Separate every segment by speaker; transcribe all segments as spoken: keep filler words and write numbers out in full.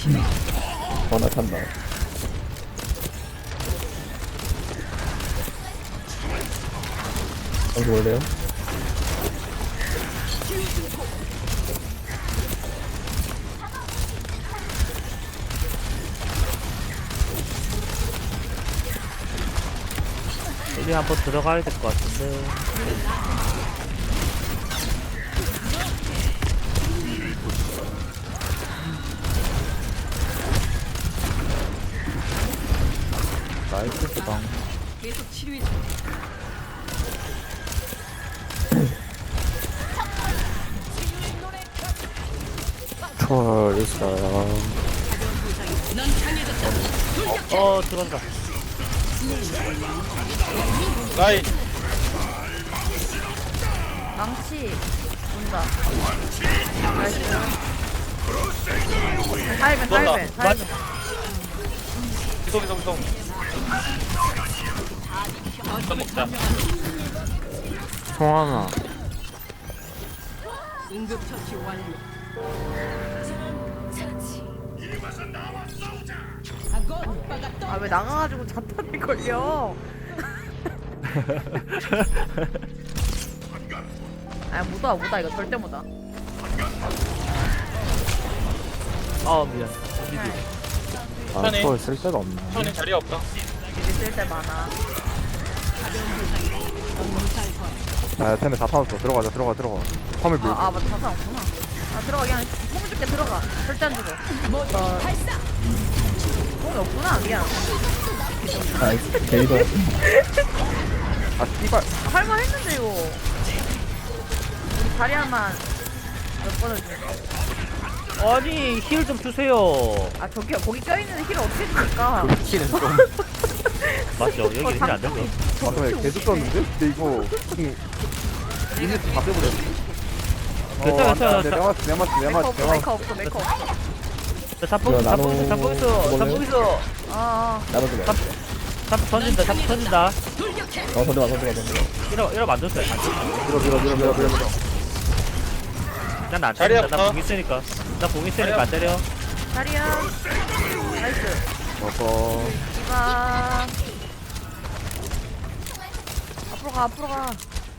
Speaker 1: 어나 찬다. 여기 올래요?
Speaker 2: 여기 한번 들어가야 될 것 같은데. 나이스 수방.
Speaker 3: 계속 치료해 줘.
Speaker 4: 헐 있어요.
Speaker 3: 넌 강해졌다.
Speaker 2: 어 들어간다.
Speaker 5: 라인
Speaker 6: 망치 온다. 나이스. 살벤 살벤 살벤.
Speaker 5: 이동 이동 이동 좀 먹자.
Speaker 4: 총 하나.
Speaker 3: 응급 처치 완료.
Speaker 6: 아 왜 나가가지고 자탄이 걸려? 아 못와 못와 이거 절대 못와.
Speaker 2: 아 미안. 미디.
Speaker 4: 아
Speaker 5: 편해.
Speaker 4: 초월 쓸 데가 없네.
Speaker 5: 손에 자리 없다.
Speaker 6: 이제 쓸데 많아.
Speaker 4: 아 템에 다 타왔어. 들어가자 들어가 들어가. 화물 밀고.
Speaker 6: 아, 아 맞다 자탄 없구나. 아 들어가 그냥 뽕 줄게 들어가. 절대 안 주고. 어, 뽕이 없구나 미안.
Speaker 1: 아 게이더.
Speaker 4: 아 씨발.
Speaker 6: 할만 했는데 이거. 우리 자리야만 몇 번을 줄까?
Speaker 2: 아니 힐 좀 주세요.
Speaker 6: 아 저기요 거기 껴있는 힐을 어떻게 줍니까?
Speaker 4: 키는 좀.
Speaker 2: 맞죠? 여기 힐 안 되죠.
Speaker 4: 아 근데 계속 떴는데? 근데 이거 지금 이제 다 빼버렸어.
Speaker 2: 괜찮아, 괜찮아.
Speaker 4: 내가 맞지 내가 맞지 내가
Speaker 6: 메이커
Speaker 4: 맞지
Speaker 6: 없어
Speaker 4: 내가
Speaker 6: 메이커 없어 메이커 없어.
Speaker 2: 자, 잡봉 잡봉 잡봉 있어. 잡봉 있어.
Speaker 6: 아
Speaker 1: 나도 좀.
Speaker 2: 잡 잡 던진다. 잡 던진다.
Speaker 1: 어 던져봐 던져봐 던져봐.
Speaker 2: 이러 이러 만졌어요.
Speaker 4: 밀어 밀어 밀어 밀어 밀어 밀어.
Speaker 2: 난안
Speaker 5: 자리
Speaker 2: 때린다.
Speaker 5: 없어.
Speaker 2: 나공 있으니까. 나공 있으니까 안 때려.
Speaker 6: 자리야 나이스.
Speaker 4: 어서.
Speaker 6: 이봐 앞으로 가 앞으로 가.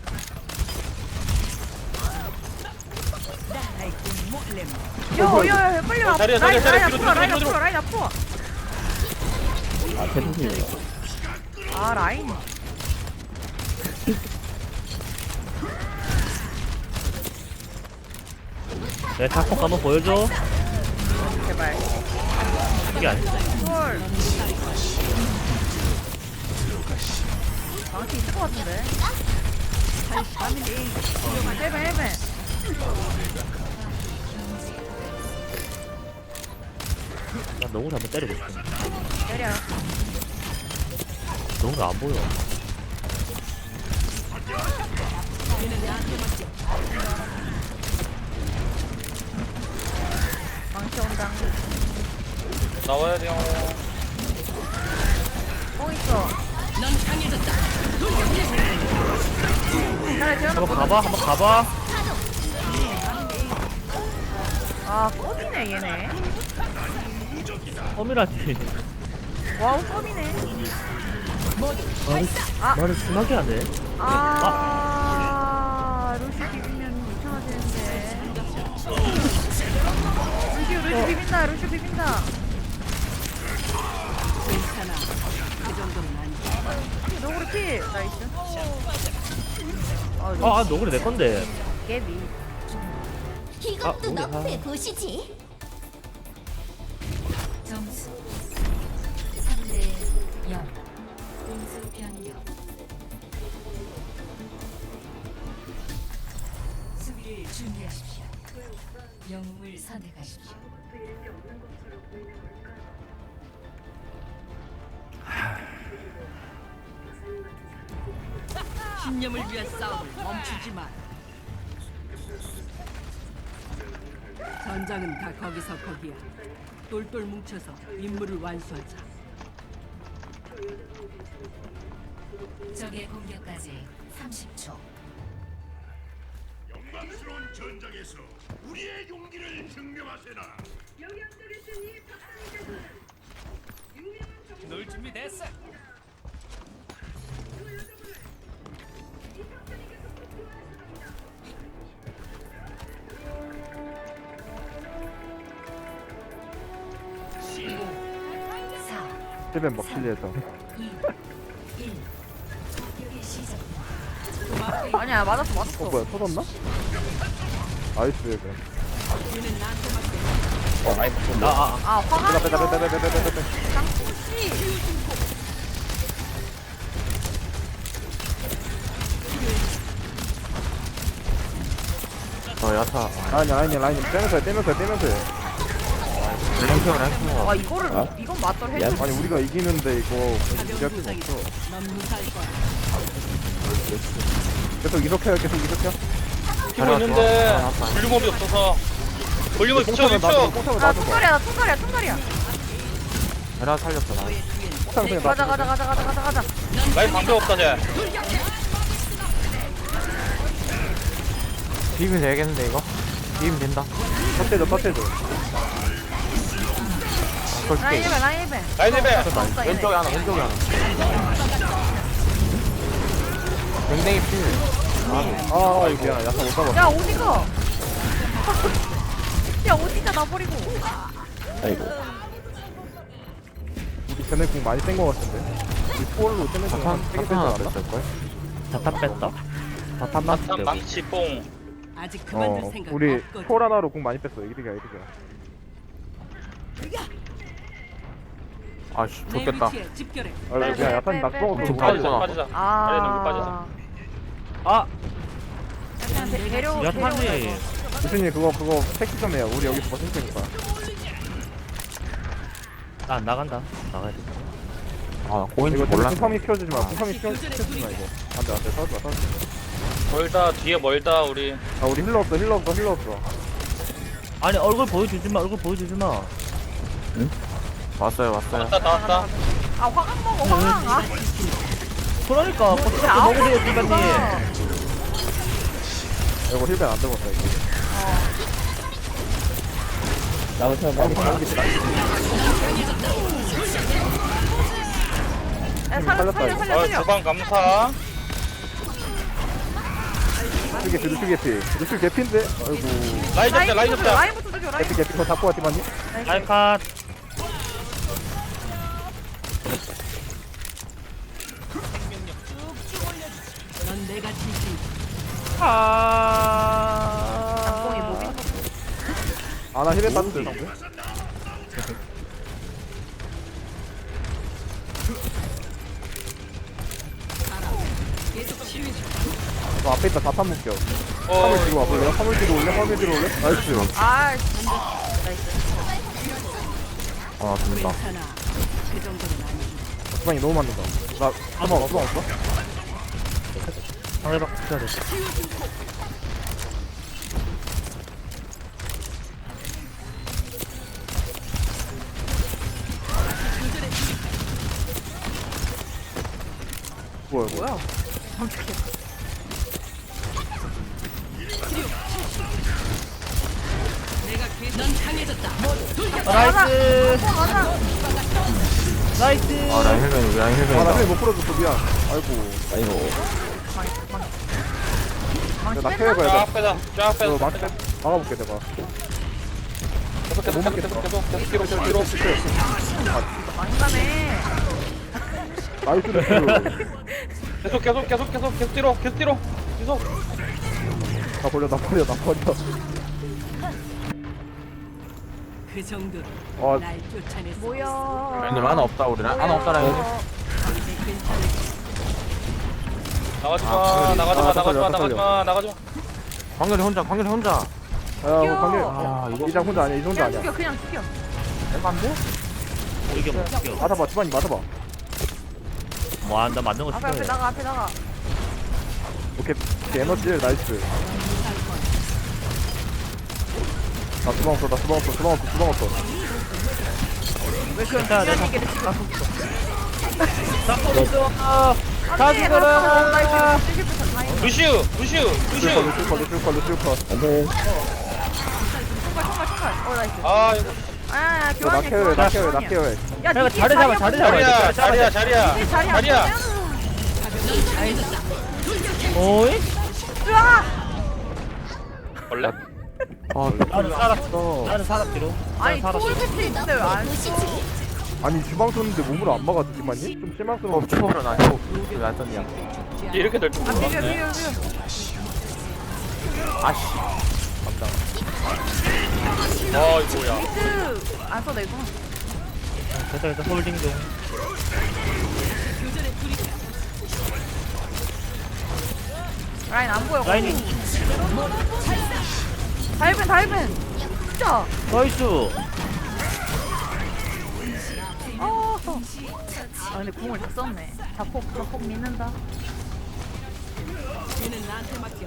Speaker 6: 야야야 빨리 와.
Speaker 5: 자리야,
Speaker 6: 라인
Speaker 5: 자리야,
Speaker 6: 라인
Speaker 5: 뒤로,
Speaker 6: 앞으로 라인
Speaker 5: 뒤로, 뒤로,
Speaker 6: 앞으로 라인 앞으로.
Speaker 1: 아 캐릭터.
Speaker 6: 아 라인.
Speaker 2: 내 탁폭 한번 보여줘.
Speaker 6: 제발.
Speaker 2: 이게 아니야.
Speaker 6: 헐. 망치 있을 것 같은데. 헬벤 헬벤.
Speaker 2: 난 너무 한번 때리고 싶어.
Speaker 6: 때려.
Speaker 2: 너무 안 보여.
Speaker 6: 망치 온다.
Speaker 5: 나와야 돼요.
Speaker 6: 뽕 있어.
Speaker 3: 넌 강해졌다.
Speaker 6: 나를 재워놓고.
Speaker 2: 한번 가봐. 한번 가봐.
Speaker 6: 아 껌이네 얘네.
Speaker 2: 어미라지.
Speaker 6: 와우 껌이네.
Speaker 2: 말을 말을 심하게 하네.
Speaker 6: 아 루시 비비면 이상하지는데. 루시 루시 비빈다 루시 비빈다.
Speaker 3: 괜찮아. 그 정도는 아니야.
Speaker 6: 너구리 피 나이스. 아 루시
Speaker 2: 아, 아 너구리 내 건데.
Speaker 6: 깨비.
Speaker 7: 이것도
Speaker 2: 아, 우리,
Speaker 7: 너프에
Speaker 2: 아.
Speaker 7: 보시지.
Speaker 8: 점수 삼 대 영. 공수 변경. 수비를 준비하십시오. 영웅을 선택하십시오.
Speaker 3: 신념을 위한 싸움을 멈추지 마. 전장은 다 거기서 거기야. 똘똘 뭉쳐서 임무를 완수하자.
Speaker 8: 적의 공격까지 삼십 초.
Speaker 9: 영광스러운 전장에서 우리의 용기를 증명하세나.
Speaker 5: 놀 준비 됐어.
Speaker 8: 사,
Speaker 4: 힐벤 먹힐리에서
Speaker 8: 일. 공격의 시작.
Speaker 6: 아니야 맞았어
Speaker 4: 어
Speaker 6: 맞았어.
Speaker 4: 뭐야 터졌나? 나이스 힐벤
Speaker 1: 어 아이 나
Speaker 2: 아,
Speaker 6: 아 화가
Speaker 4: 빼다 빼다 빼다 빼다 빼다 빼다
Speaker 6: 장풍씨.
Speaker 4: 어 야타 아니 아니 라인 떼면서 해 떼면서 해 떼면서 해 랭킹 랭킹
Speaker 6: 와 이거를
Speaker 1: 아?
Speaker 6: 이건 맞돌
Speaker 1: 야,
Speaker 6: 해줘.
Speaker 4: 아니 우리가 이기는데 이거
Speaker 3: 가벼운
Speaker 4: 무리할 필요
Speaker 3: 부상이다.
Speaker 4: 없어
Speaker 3: 넌 무사할 거야.
Speaker 4: 계속 이렇게 해 계속 이렇게 해
Speaker 5: 뛰고 있는데 볼륨업이 없어서. 볼륨을 붙여
Speaker 4: 뽕차면 놔줘
Speaker 5: 붙여.
Speaker 4: 뽕차면
Speaker 6: 나
Speaker 4: 놔줘
Speaker 6: 통갈이야 나 통갈이야 통갈이야.
Speaker 4: 에라 살렸어 나
Speaker 3: 너의 뒤엔
Speaker 4: 뽕차면 그냥
Speaker 6: 가자
Speaker 4: 놔줘
Speaker 6: 가자 가자 가자 가자 가자.
Speaker 5: 라인 방벽 없다 쟤.
Speaker 4: 비비면 되겠는데 이거? 비비면 된다 터치해줘 터치해줘
Speaker 6: 라인 일배 라인 일배.
Speaker 5: 라인 힐벤.
Speaker 4: 왼쪽에 하나 왼쪽에 하나 댕댕이 필아 이거 미안 야타 못 잡았어
Speaker 6: 야 어디가? 야 어디가 나 버리고?
Speaker 1: 아이고
Speaker 4: 우리 쟤네 공 많이 뺀거 같은데 우리 포얼로 쟤네 공한 세개 뺀거 같을걸?
Speaker 2: 자탄 뺐다. 자탄
Speaker 5: 한
Speaker 2: 났을 때.
Speaker 5: 망치 뽕.
Speaker 3: 아직 그만둘
Speaker 4: 어
Speaker 3: 생각
Speaker 4: 우리
Speaker 3: 없거든.
Speaker 4: 포얼 하나로 공 많이 뺐어 이득이야 이득이야 아씨
Speaker 3: 내 위치에 집결해.
Speaker 4: 아
Speaker 6: 빼,
Speaker 4: 그냥
Speaker 6: 빼,
Speaker 4: 야탄 나
Speaker 6: 빼,
Speaker 4: 뻥
Speaker 6: 빼,
Speaker 4: 그거
Speaker 5: 빠지자
Speaker 4: 빠지잖아
Speaker 5: 빠지자.
Speaker 6: 아.
Speaker 5: 아래 넘기 빠지자.
Speaker 2: 아,
Speaker 6: 그냥 데- 데려
Speaker 2: 야탄이.
Speaker 6: 데려오자,
Speaker 4: 교수님 그거 그거 택시 좀 해요 우리 여기서 버틸 테니까
Speaker 2: 나 안 나간다. 나가야 돼.
Speaker 4: 아 고인지 몰라 궁팡이 키워주지 마 궁팡이 키워주지 마 이거 안돼 안돼 서지 마 서지
Speaker 5: 멀다 뒤에 멀다 우리.
Speaker 4: 아 우리 힐러 없어 힐러 없어 힐러 없어
Speaker 2: 아니 얼굴 보여주지 마. 얼굴 보여주지 마.
Speaker 4: 왔어요 왔어요
Speaker 5: 왔다 다 왔다.
Speaker 6: 아 화강 먹어 화강. 아
Speaker 2: 그러니까 버티가
Speaker 6: 아홉
Speaker 2: 먹으세요,
Speaker 6: 번
Speaker 2: 기관님.
Speaker 6: 먹었어.
Speaker 4: 이거 힐벤 안 들어갔다 이거
Speaker 1: 나부터 빨리
Speaker 6: 야 살려 살려
Speaker 5: 어
Speaker 6: 살려 살려.
Speaker 5: 주방 감사.
Speaker 4: 루슈 개피 루슈 개피 루슈 개피인데 아이고
Speaker 5: 라인 잡자 라인
Speaker 6: 라인부터 죽여
Speaker 5: 잡자.
Speaker 6: 라인부터 죽여 라인.
Speaker 4: 개피 개피 그거 잡고 왔지 맞니?
Speaker 2: 알컷.
Speaker 3: 넌 내가 지지.
Speaker 2: 아.
Speaker 6: 장봉이 뭐비?
Speaker 4: 아나 힐벤 땄는데 방금
Speaker 3: 계속 치유해 줘.
Speaker 4: 너 앞에 있다 자탄 묶여
Speaker 5: 어
Speaker 4: 화물 뒤로 와볼래요? 화물 뒤로 올래? 화물 뒤로 올래? 나이스
Speaker 6: 아 나이스.
Speaker 4: 아 됩니다
Speaker 3: 괜찮아. 그 정도는 아니지.
Speaker 4: 주방이 너무 맞는다 나 주방 없어 없어?
Speaker 2: 상대방 붙여야 돼.
Speaker 4: 뭐야 이거
Speaker 6: 뭐야?
Speaker 3: 내가 계속 넌 강해졌다.
Speaker 2: 아, 나이스.
Speaker 6: 가자.
Speaker 2: 나이스.
Speaker 4: 아 라인 힐벤 라인 힐벤 아나 힐벤 못 풀어줬어 미안 아이고
Speaker 1: 아이고
Speaker 6: 망치
Speaker 4: 나
Speaker 6: 뺐나?
Speaker 4: 케어가
Speaker 5: 쫙
Speaker 4: 해봐
Speaker 5: 빼자 쫙
Speaker 4: 너
Speaker 5: 빼자.
Speaker 4: 망치 빼 막아볼게 내가
Speaker 5: 계속 계속 계속 계속 계속 계속 뒤로 뒤로 뒤로.
Speaker 6: 많이 가네.
Speaker 4: 나이스 루슈
Speaker 5: 계속 계속 계속 계속 계속 뒤로 계속 뒤로 계속.
Speaker 4: 나 버려 나 버려 나 버려
Speaker 3: 그 정도로
Speaker 4: 어
Speaker 3: 날 쫓아냈어.
Speaker 6: 뭐야?
Speaker 4: 하나 없다 우리 하나 없다
Speaker 3: 이제 괜찮을
Speaker 5: 나가지
Speaker 4: 아,
Speaker 5: 마 나가지 마
Speaker 4: 아,
Speaker 5: 나가지 마
Speaker 4: 떨려,
Speaker 5: 나가지 마 나가지 마.
Speaker 4: 광렬이 혼자 광렬이 혼자 야 광렬 아 이거 이장 혼자 아니야 이 혼자
Speaker 6: 그냥
Speaker 4: 아니야
Speaker 6: 죽여 그냥 죽여.
Speaker 4: 내가 안 돼?
Speaker 2: 이게 뭐 이겨.
Speaker 4: 맞아봐 주방이 맞아봐
Speaker 2: 와, 나 맞는 거
Speaker 6: 앞에 앞에
Speaker 2: 싫어해.
Speaker 6: 나가 앞에 나가.
Speaker 4: 오케이 오케이, 에너지 나이스 나 주방 없어 나 주방 없어 주방 없어 주방 없어
Speaker 6: 왜 그런
Speaker 2: 괜찮아,
Speaker 6: 중요한
Speaker 2: 내가
Speaker 6: 얘기를 지금 하고 있어?
Speaker 2: 잡고 있어. 아, 다
Speaker 6: 안돼
Speaker 2: 죽어라.
Speaker 6: 나 이거 실패 라인.
Speaker 5: 루시우 루시우
Speaker 4: 루슈
Speaker 5: 루시우.
Speaker 4: 루슈 컷 루슈 컷 루슈 컷
Speaker 1: 안돼
Speaker 6: 총괄 총괄 총괄. 어 나이스.
Speaker 5: 아 이거
Speaker 6: 아야
Speaker 4: 이거 나
Speaker 6: 교환이야
Speaker 4: 케어해 나 케어해 나
Speaker 6: 교환이야.
Speaker 4: 케어해.
Speaker 6: 야
Speaker 2: 내가
Speaker 6: 니키
Speaker 2: 자리 잡아,
Speaker 6: 자리야
Speaker 2: 자리
Speaker 6: 보자.
Speaker 2: 잡아.
Speaker 5: 자리야 자리야 자리야
Speaker 6: 니키 자리 안
Speaker 5: 자리야
Speaker 6: 보면
Speaker 2: 오이?
Speaker 6: 으아!
Speaker 5: 원래
Speaker 4: 아
Speaker 2: 나는 살았어. 나는 살았기로.
Speaker 6: 아니
Speaker 2: 나는
Speaker 6: 초월
Speaker 2: 살았어.
Speaker 6: 패스 있는데 왜안 써?
Speaker 4: 아니 주방 쏘는데 몸으로 안 막아 주지만님? 좀 실망스러워.
Speaker 1: 초월은 아니고 왜안 썼냐?
Speaker 5: 이게 이렇게 될 줄
Speaker 6: 아 비벼
Speaker 5: 몰랐네
Speaker 6: 비벼 비벼.
Speaker 1: 아씨.
Speaker 5: 아 이거 뭐야
Speaker 6: 히트 안 써도 되구나.
Speaker 2: 됐다, 됐다. 홀딩 중.
Speaker 6: 라인 안 보여.
Speaker 2: 라인이.
Speaker 6: 다이벤 다이벤. 진짜.
Speaker 2: 나이스.
Speaker 6: 어. 아 근데 궁을 다 썼네. 자폭 자폭 믿는다.
Speaker 3: 얘는 나한테 맡겨.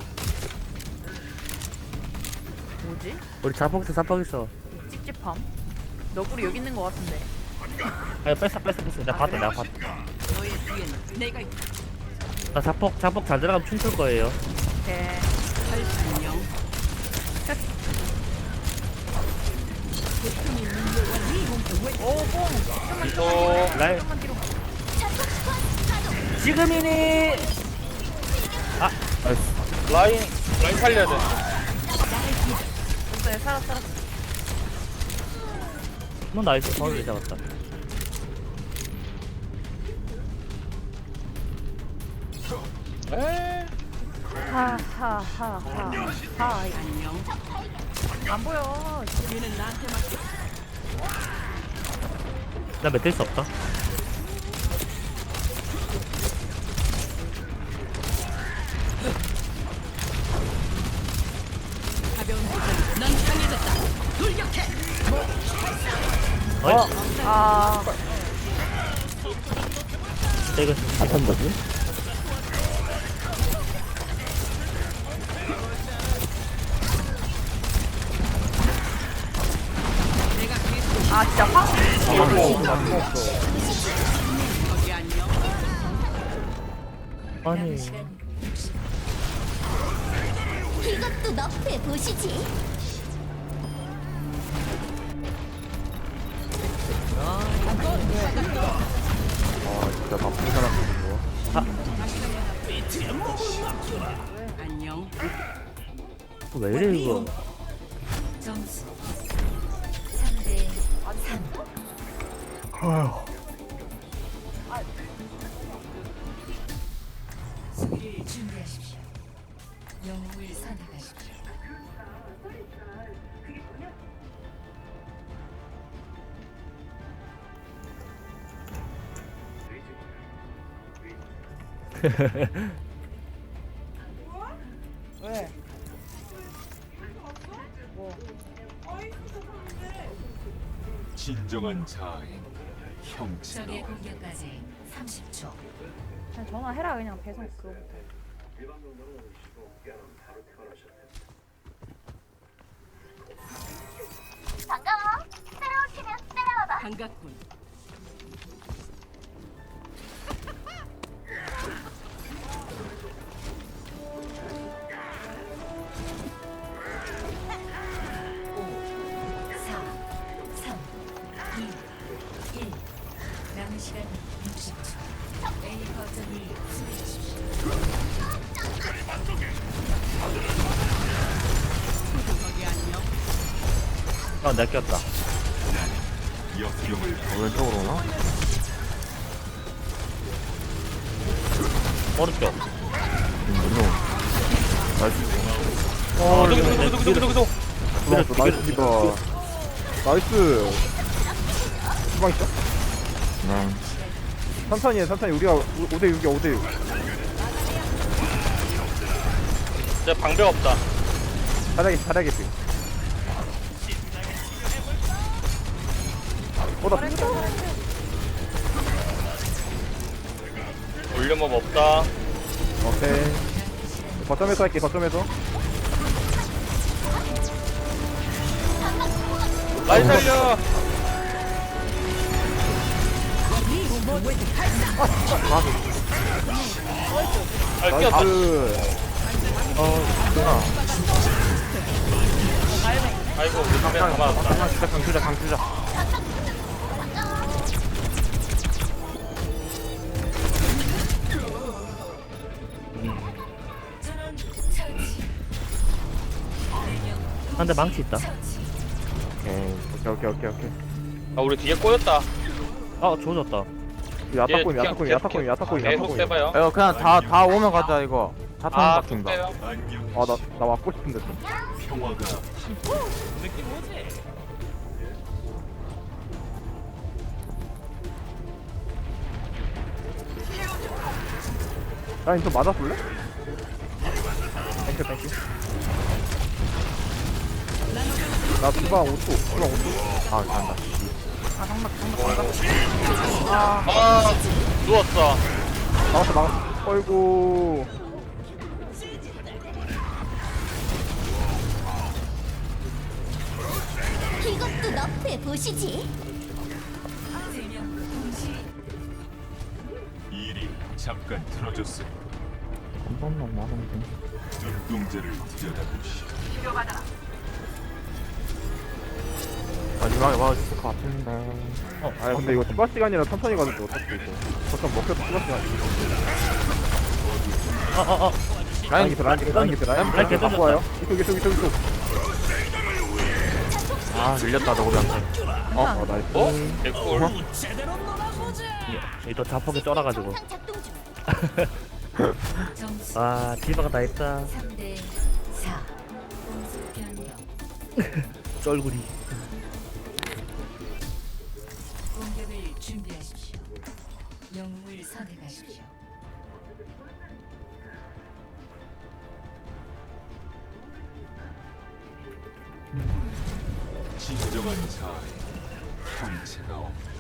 Speaker 6: 뭐지?
Speaker 2: 우리 자폭스 자폭 있어.
Speaker 6: 찝찝함. 너구리 여기 있는 거 같은데.
Speaker 2: 아, 뺐어, 뺐어, 뺐어. 내가 봤다, 내가 봤다.
Speaker 3: 너의 뒤에는 내가 있다.
Speaker 2: 나 자폭, 자폭 잘 들어가면 춤출 거예요.
Speaker 6: 오케이.
Speaker 3: 안녕.
Speaker 6: 오뽕.
Speaker 5: 이거
Speaker 2: 라인.
Speaker 6: 좀만 뒤로.
Speaker 2: 지금이니.
Speaker 5: 라인 라인 살려야 돼
Speaker 6: 됐어요. 살았 살았.
Speaker 2: 너 나이스. 파울을 잡았다.
Speaker 5: 에이
Speaker 6: 하하하하. 하.
Speaker 3: 안녕.
Speaker 6: 안 보여.
Speaker 3: 얘는 나한테 맡겨.
Speaker 2: 나 맺을 수 없다.
Speaker 3: 가벼운 도전. 넌 강해졌다. 돌격해.
Speaker 2: 어이?
Speaker 6: 아.
Speaker 2: 진짜 이거
Speaker 1: 안 탄다지?
Speaker 6: 아 진짜 확.
Speaker 3: 거기 안녕.
Speaker 2: 아니.
Speaker 7: 이것도 너프해 보시지.
Speaker 4: 아 진짜 나쁜 사람들인 거.
Speaker 3: 안녕.
Speaker 2: 왜 이래 이거?
Speaker 8: 점수 삼 대 삼. 수비를 준비하십시오. 영웅을 선택하십시오.
Speaker 6: 왜?
Speaker 9: 진정한 자아인 형체.
Speaker 8: 적의 공격까지 삼십 초.
Speaker 6: 그냥 전화해라 그냥 배송 그거부터.
Speaker 7: 반가워. 새로운 팀에 따라와봐.
Speaker 3: 반갑군.
Speaker 8: 사, 삼, 이, 일. 남은 시간 육십 초. A 거점을 수비하십시오.
Speaker 3: 거기 안녕.
Speaker 2: 아, 내가 꼈다.
Speaker 9: 역경을
Speaker 4: 왼쪽으로 오나?
Speaker 2: 오른쪽.
Speaker 5: 어 누구 누구 누구 누구 누구 누구
Speaker 4: 나이스 나이스 디바. 나이스. 주방 있어?
Speaker 1: 네.
Speaker 4: 천천히 해 천천히. 우리가 오 대 육이야 오 대 육.
Speaker 5: 이제 방벽 없다
Speaker 4: 잘하겠지 잘하겠지. 어나
Speaker 5: 올려먹 없다
Speaker 4: 오케이. 거점에서 할게 거점에서.
Speaker 5: 라인 살려 아 끼었다
Speaker 4: 나이스.
Speaker 2: 어, 누나.
Speaker 5: 아이고 우리 카메라 다 맞았다.
Speaker 1: 강 주자 강 주자 강 주자.
Speaker 8: 전원 처치.
Speaker 2: 한대 망치 있다.
Speaker 1: 오케이.
Speaker 4: 오케이 오케이 오케이 오케이.
Speaker 5: 아 우리 뒤에 꼬였다.
Speaker 2: 아 조졌다.
Speaker 4: 야타코임
Speaker 5: 그냥
Speaker 4: 야타코임
Speaker 5: 계속-
Speaker 4: 야타코임 야타코임
Speaker 5: 계속
Speaker 4: 야타코임.
Speaker 5: 빼봐요.
Speaker 1: 이거 그냥 다 다 오면 가자 이거. 자탄
Speaker 5: 아
Speaker 1: 바뀐다.
Speaker 5: 빼요.
Speaker 4: 아나 나 맞고 싶은데 좀.
Speaker 9: 평화가
Speaker 4: 라인 좀 맞아볼래? 땡큐 땡큐. 나 주방 오 초 주방 오 초.
Speaker 1: 아 간다.
Speaker 6: 아 장막 장막 장막.
Speaker 5: 아 누웠어.
Speaker 4: 막았어 막았어. 어이구.
Speaker 7: 이것도 너프해 보시지.
Speaker 8: 세명 동시
Speaker 9: 일이 잠깐 틀어졌으니
Speaker 1: 한 번만 나면 돼.
Speaker 9: 눈동자를 들여다보시.
Speaker 1: 마지막에 맞을 것 같은데.
Speaker 4: 어, 아니 근데 이거 추가 시간이라 천천히 가도 돼 어차피 이거. 거점 먹혀도 추가 시간.
Speaker 2: 어어어.
Speaker 4: 라인 기트 라인 기트 라인 기트 라인
Speaker 2: 라인
Speaker 4: 기트
Speaker 2: 계속
Speaker 4: 갖고 와요. 이쪽 이쪽 이쪽 이쪽.
Speaker 1: 아 밀렸다 너구리한테.
Speaker 4: 어, 어 나이스.
Speaker 5: 어? 개꿀.
Speaker 2: 이또 자폭에 쩔어가지고.
Speaker 7: 항상 작동 중.
Speaker 8: 점수
Speaker 2: 아 디바가 다 했다.
Speaker 8: 삼 대 사. 공수 변경.
Speaker 2: 쩔구리.
Speaker 8: 공격을 준비하십시오. 영웅을 선택하십시오.
Speaker 9: 진정한 자아에 형체가 없다.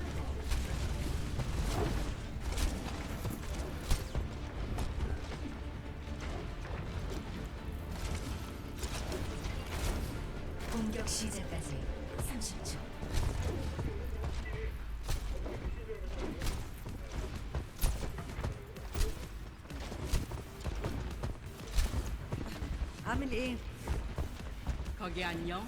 Speaker 8: 공격 시작까지 삼십 초.
Speaker 3: 아밀리. 거기 안녕.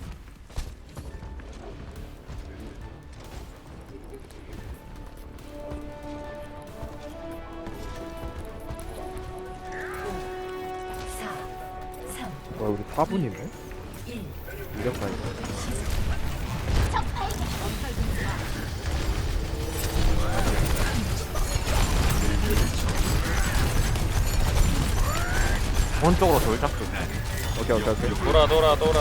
Speaker 8: 사, 삼,
Speaker 4: 와 우리 사 분이네.
Speaker 8: 일.
Speaker 4: 이력다 이거.
Speaker 1: 오른쪽으로 돌짝도.
Speaker 4: 오케이 오케이 오케이.
Speaker 5: 돌아 돌아 돌아.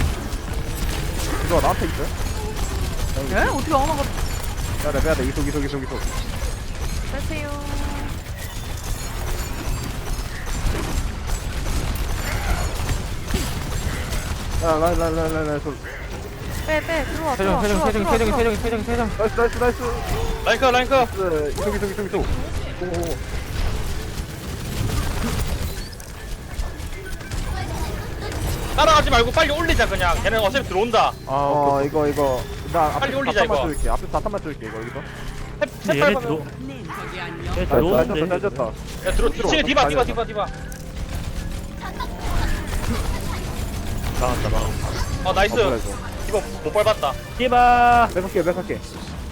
Speaker 4: 이거 나한테 있어요?
Speaker 6: 에? 어떻게 아무나
Speaker 4: 빼야돼 빼야돼 이속 이속 이속 이속.
Speaker 6: 빼세요.
Speaker 4: 야 라인 라인 라인 라인 라인.
Speaker 6: 빼빼 들어와
Speaker 1: 세정
Speaker 6: 들어와
Speaker 1: 세정
Speaker 6: 들어와
Speaker 1: 세정
Speaker 6: 들어와
Speaker 1: 세정 세정 세정 세정.
Speaker 4: 나이스 나이스 나이스.
Speaker 5: 라이크 라이크.
Speaker 4: 나이스. 이속 이속 이속 이속. 오오.
Speaker 5: 따라가지 말고 빨리 올리자 그냥. 걔네 어차피 들어온다.
Speaker 1: 아
Speaker 4: 어
Speaker 1: 오케이.
Speaker 4: 이거 이거 나
Speaker 5: 빨리
Speaker 4: 앞에
Speaker 5: 올리자,
Speaker 4: 자탄만
Speaker 5: 이거.
Speaker 4: 줄게. 앞에 자탄만 줄게 이거 여기서.
Speaker 2: 근데 얘네 들어.
Speaker 3: 거기 안녕.
Speaker 2: 얘
Speaker 4: 나이스 잘 졌다
Speaker 2: 들어오는데.
Speaker 4: 잘 졌다.
Speaker 5: 야 들어. 이층에 디바 디바 디바 디바.
Speaker 2: 나왔다 나.
Speaker 5: 어 나이스.
Speaker 4: 어 뭐야 이거.
Speaker 5: 디바 못 밟았다.
Speaker 2: 디바.
Speaker 4: 백할게 백할게.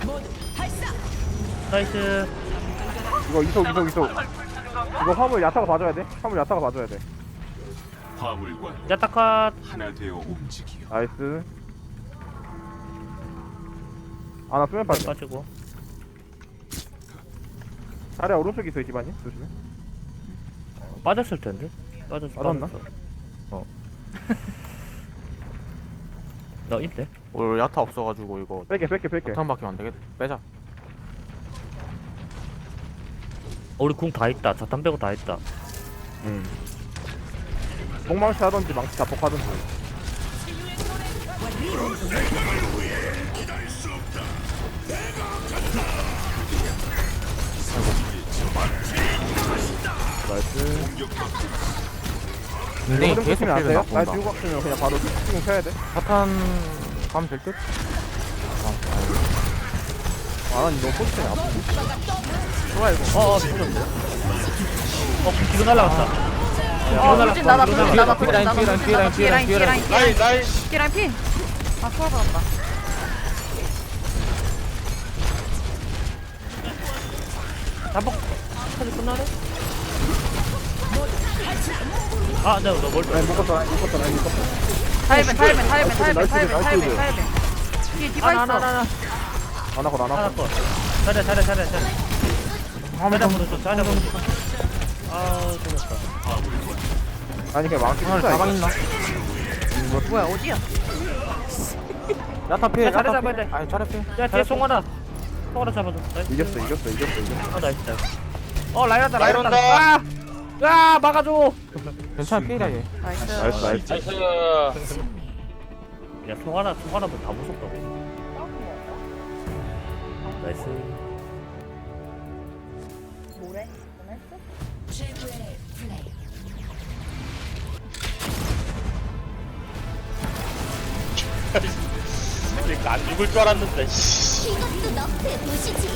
Speaker 2: 나이스.
Speaker 4: 이거 이속 이속 이속. 이거 화물 야타가 봐줘야 돼. 화물 야타가 봐줘야 돼.
Speaker 9: 화물과
Speaker 2: 야타컷.
Speaker 9: 하나 되어 움직이어.
Speaker 4: 나이스. 아나 수면 빠져.
Speaker 2: 빠지고.
Speaker 4: 자리 오른쪽에 있어 이 집안이. 조심해.
Speaker 2: 빠졌을 텐데. 빠졌.
Speaker 4: 빠졌나?
Speaker 2: 빠졌어. 어. 너 있대.
Speaker 1: 오늘 야타 없어가지고 이거
Speaker 4: 뺄게 뺄게 뺄게.
Speaker 1: 자탄 바뀌면 안 되겠다. 빼자.
Speaker 2: 어, 우리 궁 다 있다. 자탄 빼고 다 있다.
Speaker 4: 응. 목망치 하던지 망치 자폭하던지. 나이스.
Speaker 1: 근데
Speaker 4: 이거
Speaker 1: 계속
Speaker 4: 면 안
Speaker 1: 필드
Speaker 4: 돼요? 날
Speaker 1: 나온다.
Speaker 4: 지우고 왔으면 그냥 바로 지금 켜야 돼.
Speaker 1: 자탄 가면 될 듯? 아,
Speaker 4: 아, 난 너무 포지션이 아프지. 좋아 이거.
Speaker 2: 어, 어, 터졌네. 어, 궁 뒤로 날라갔다. 궁 뒤로
Speaker 6: 어
Speaker 2: 날라갔다.
Speaker 6: 돌진 나나
Speaker 2: 뒤로
Speaker 6: 돌진
Speaker 2: 날라갔다.
Speaker 6: 나나 돌진 나나
Speaker 1: 뒤에 라인,
Speaker 6: 돌진
Speaker 1: 뒤에
Speaker 6: 나나
Speaker 1: 라인,
Speaker 6: 뒤에 라인
Speaker 1: 뒤에
Speaker 6: 뒤에 라인 뒤에 라인
Speaker 5: 라인 라인.
Speaker 6: 뒤에 라인 피 아 수월 받았다.
Speaker 2: 잠복 사진 끝나네? 아 내가 너 멀리
Speaker 4: 라인 묶었어 라인 묶었어 라인 묶었어
Speaker 6: 타이벤 타이벤 타이벤 타이벤
Speaker 4: 나이스,
Speaker 6: 타이벤
Speaker 4: 나이스,
Speaker 6: 타이벤
Speaker 4: 나이스.
Speaker 6: 타이벤. 뒤에 디바
Speaker 2: 하나 하나
Speaker 6: 있어.
Speaker 2: 하나
Speaker 4: 안 하고 안
Speaker 2: 하나
Speaker 4: 하고
Speaker 2: 거 잘해 잘해 잘해 잘해 잘해 보는 좀 잘해 보는 아 죽었다
Speaker 4: 아니 그냥 망치
Speaker 1: 오늘
Speaker 4: 치자
Speaker 1: 가방
Speaker 4: 이거
Speaker 1: 있나?
Speaker 6: 뭐야 어디야?
Speaker 1: 야타 피해
Speaker 2: 야, 잘해,
Speaker 1: 야타
Speaker 2: 잡아야
Speaker 1: 피해
Speaker 2: 돼.
Speaker 1: 아니 차례 피해
Speaker 2: 야 뒤에 송하나 송하나 잡아줘 나이스.
Speaker 4: 이겼어 이겼어 이겼어 이겼어
Speaker 2: 아 나이스 나이스 어 라이라다
Speaker 5: 라인
Speaker 2: 라이라다
Speaker 5: 온다.
Speaker 2: 아! 아 막아줘
Speaker 1: 괜찮아 피해라 얘
Speaker 6: 나이스.
Speaker 4: 나이스 나이스
Speaker 5: 나이스.
Speaker 2: 야 송하나 송하나 뭐다 무섭다고 나이스
Speaker 6: 뭐래?
Speaker 8: 최고의 플레이.
Speaker 5: 그러니까 안 죽을 줄 알았는데. 씨.
Speaker 7: 이것도 너프에 보시지.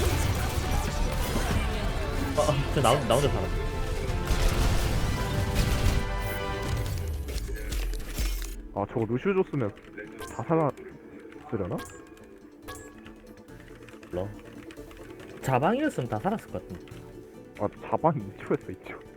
Speaker 2: 어저 나, 나 혼자 살아
Speaker 4: 아 저거 루시오 줬으면 다 살았으려나?
Speaker 2: 몰라 자방이었으면 다 살았을 것 같은데
Speaker 4: 아 자방이 이 초였어 이 초